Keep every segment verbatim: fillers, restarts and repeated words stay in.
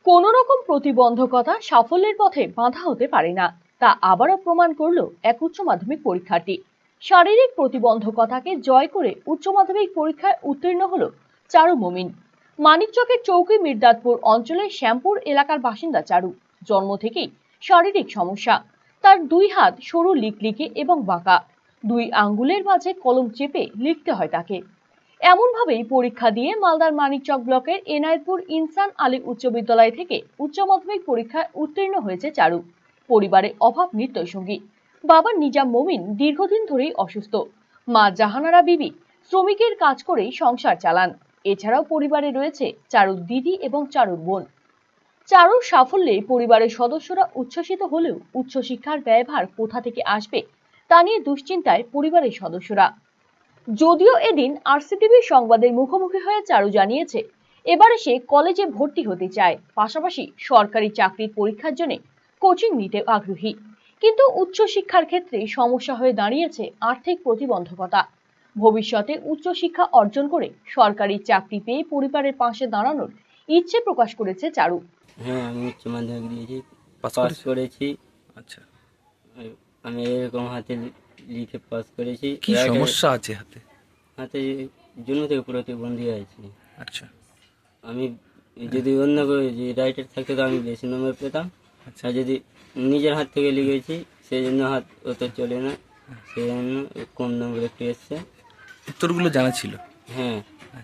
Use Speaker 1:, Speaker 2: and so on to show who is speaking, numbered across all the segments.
Speaker 1: কোনো রকম প্রতিবন্ধকতা সাফল্যের পথে বাধা হতে পারে না, তা আবারও প্রমাণ করলো এক উচ্চ মাধ্যমিক পরীক্ষার্থী। শারীরিক প্রতিবন্ধকতাকে জয় করে উচ্চ মাধ্যমিক পরীক্ষায় উত্তীর্ণ হলো চারু মমিন। মানিকচকের চৌকি মির্দাতপুর অঞ্চলের শ্যামপুর এলাকার বাসিন্দা চারু। জন্ম থেকেই শারীরিক সমস্যা। তার দুই হাত সরু লিকলিকে এবং বাঁকা, দুই আঙ্গুলের মাঝে কলম চেপে লিখতে হয় তাকে। এমনভাবেই পরীক্ষা দিয়ে মালদার মানিকচক ব্লকের এনায়েতপুর ইনসান আলী উচ্চ বিদ্যালয় থেকে উচ্চ মাধ্যমিক পরীক্ষায় উত্তীর্ণ হয়েছে চারু। পরিবারে অভাব নৃত্যসঙ্গী। বাবা নিজাম মমিন দীর্ঘদিন ধরেই অসুস্থ। মা জাহানারা বিবি শ্রমিকের কাজ করেই সংসার চালান। এছাড়াও পরিবারে রয়েছে চারুর দিদি এবং চারুর বোন। চারুর সাফল্যে পরিবারের সদস্যরা উচ্ছ্বসিত হলেও উচ্চশিক্ষার ব্যয়ভার কোথা থেকে আসবে তা নিয়ে দুশ্চিন্তায় পরিবারের সদস্যরা। যদিও এদিন আরসিটিভি সংবাদের মুখোমুখি হয়ে চারু জানিয়েছে এবারে সে কলেজে ভর্তি হতে চায়, পাশাপাশি সরকারি চাকরির পরীক্ষার জন্য কোচিং নিতে আগ্রহী। কিন্তু উচ্চশিক্ষার ক্ষেত্রে সমস্যা হয়ে দাঁড়িয়েছে আর্থিক প্রতিবন্ধকতা। ভবিষ্যতে উচ্চশিক্ষা অর্জন করে সরকারি চাকরি পেয়ে পরিবারের পাশে দাঁড়ানোর ইচ্ছে প্রকাশ করেছে চারু।
Speaker 2: হ্যাঁ, আমি উচ্চ মাধ্যমিক দিয়েছি, পাস করেছি।
Speaker 3: আচ্ছা,
Speaker 2: আমি এরকম হাতে লিখে পাস করেছি।
Speaker 3: কি সমস্যা আছে হাতে?
Speaker 2: হাতে জন্ম থেকে প্রতিবন্ধী আছে।
Speaker 3: আচ্ছা,
Speaker 2: আমি যদি অন্য যে রাইটার থাকতো তো আমি বেশি নম্বর পেতাম।
Speaker 3: আচ্ছা,
Speaker 2: আর যদি নিজের হাত থেকে লিখেছি সেই জন্য হাত অত চলে না, সেই জন্য কম নম্বর একটু এসছে।
Speaker 3: উত্তরগুলো জানা ছিল?
Speaker 2: হ্যাঁ।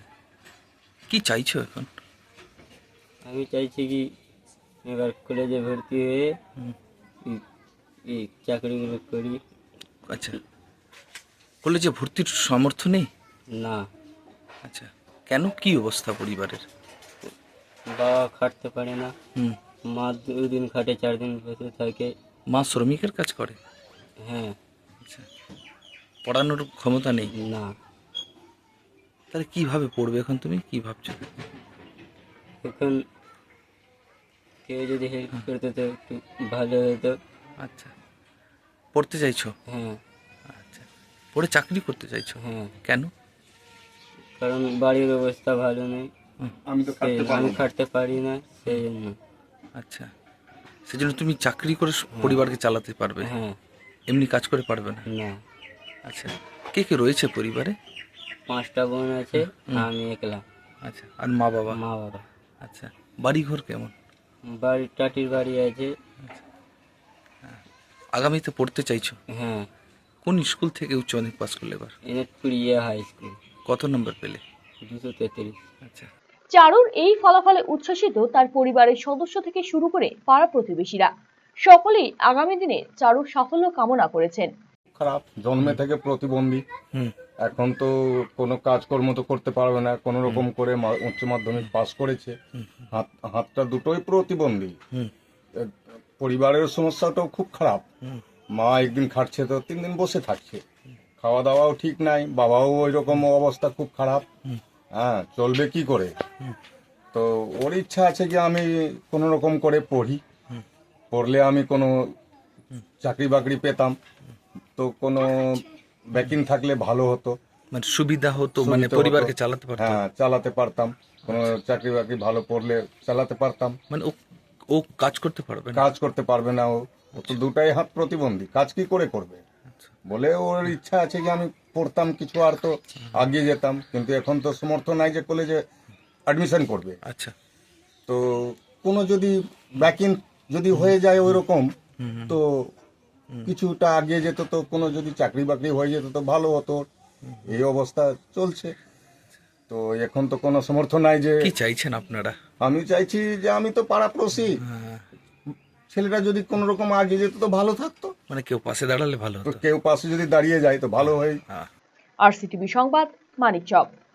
Speaker 3: কি চাইছো এখন?
Speaker 2: আমি চাইছি কি এবার কলেজে ভর্তি হয়ে এই চাকরিগুলো করি।
Speaker 3: আচ্ছা, কলেজে ভর্তির সামর্থ্য নেই?
Speaker 2: না।
Speaker 3: আচ্ছা, কেন, কি অবস্থা পরিবারের?
Speaker 2: বাবা খাটতে পারে না,
Speaker 3: হুম,
Speaker 2: মা দুদিন খাটে চার দিন বসে থাকে।
Speaker 3: মা শ্রমিকের কাজ করে?
Speaker 2: হ্যাঁ।
Speaker 3: আচ্ছা, পড়ানোর ক্ষমতা নেই?
Speaker 2: না।
Speaker 3: তাহলে কিভাবে পড়বে এখন, তুমি কি ভাবছো?
Speaker 2: এখন কেউ যদি হেল্প করতে তো একটু ভালো হতো।
Speaker 3: আচ্ছা, পড়তে চাইছো?
Speaker 2: হ্যাঁ।
Speaker 3: আচ্ছা, পড়ে চাকরি করতে চাইছো?
Speaker 2: হ্যাঁ।
Speaker 3: কেন?
Speaker 2: কারণ বাড়ির অবস্থা ভালো নেই,
Speaker 3: আমি তো
Speaker 2: আমি খাটতে পারি না, সেই জন্য।
Speaker 3: আচ্ছা, সেজন্য তুমি চাকরি করে পরিবারকে চালাতে পারবে?
Speaker 2: হ্যাঁ।
Speaker 3: এমনি কাজ করে পারবে না?
Speaker 2: না।
Speaker 3: আচ্ছা, কে কে রয়েছে পরিবারে?
Speaker 2: পাঁচটা বোন আছে, আমি একলা।
Speaker 3: আচ্ছা, আর মা বাবা?
Speaker 2: মা বাবা।
Speaker 3: আচ্ছা, বাড়ি ঘর কেমন?
Speaker 2: বাড়ি টাটির বাড়ি আছে।
Speaker 3: আগামীতে পড়তে চাইছো?
Speaker 2: হ্যাঁ।
Speaker 3: কোন স্কুল থেকে উচ্চ মাধ্যমিক পাস করলে এবার?
Speaker 2: এনায়েতপুর ইয়া হাই স্কুল।
Speaker 3: কত নম্বর পেলে?
Speaker 2: দুশো তেত্রিশ।
Speaker 3: আচ্ছা,
Speaker 1: চারুর এই ফলাফলে উচ্ছ্বসিত তার পরিবারের সদস্য থেকে শুরু করে পাড়া প্রতিবেশীরা। সকলেই আগামী দিনে চারুর সাফল্য কামনা করেছেন।
Speaker 4: খারাপ, জন্মে থেকে প্রতিবন্ধী,
Speaker 3: হুম,
Speaker 4: এখন তো কোনো কাজকর্ম তো করতে পারবে না, কোনো রকম করে মা- উচ্চ মাধ্যমিক পাস করেছে, হাত হাতটা দুটোই প্রতিবন্ধী।
Speaker 3: হুম,
Speaker 4: এ, পরিবারের সমস্যাটাও খুব খারাপ।
Speaker 3: হুম,
Speaker 4: মা একদিন খাটছে তো তিন দিন বসে থাকছে, খাওয়া দাওয়াও ঠিক নাই, বাবাও ওই রকম অবস্থা খুব খারাপ। হ্যাঁ, চলবে কি করে? তো ওর ইচ্ছা আছে যে আমি কোনো রকম করে পড়ি, পড়লে আমি কোনো চাকরি বাকরি পেতাম, তো কোনো ব্যাকিং থাকলে ভালো হতো,
Speaker 3: মানে সুবিধা হতো, মানে
Speaker 4: সুবিধা
Speaker 3: পরিবারকে
Speaker 4: হতো।
Speaker 3: চালাতে পারতো।
Speaker 4: হ্যাঁ, চালাতে পারতাম, কোনো চাকরি বাকরি ভালো পড়লে চালাতে পারতাম।
Speaker 3: মানে ও ও কাজ করতে পারবে না?
Speaker 4: কাজ করতে পারবে না, ও ও তো দুটাই হাত প্রতিবন্ধী, কাজ কি করে করবে? বলে ওর ইচ্ছা আছে যে আমি পড়তাম কিছু, আর তো আগিয়ে যেতাম, কিন্তু এখন তো সমর্থ নাই যে কলেজে অ্যাডমিশন করবে।
Speaker 3: আচ্ছা,
Speaker 4: তো কোনো যদি ব্যাকিং যদি হয়ে যায় ওই রকম, তো কিছুটা আগিয়ে যেত, তো কোনো যদি চাকরি বাকরি হয়ে যেত তো ভালো হতো। এই অবস্থা চলছে, তো এখন তো কোনো সমর্থন নাই যে।
Speaker 3: কি চাইছেন আপনারা?
Speaker 4: আমি চাইছি যে আমি তো পাড়াপড়শি, ছেলেটা যদি কোনো রকম আগিয়ে যেত তো ভালো থাকতো,
Speaker 3: মানে কেউ পাশে দাঁড়ালে ভালো
Speaker 4: তো
Speaker 3: হতো।
Speaker 4: কেউ পাশে যদি দাঁড়িয়ে যায় তো ভালো হয়।
Speaker 1: আরসিটিভি সংবাদ, মানিকচক।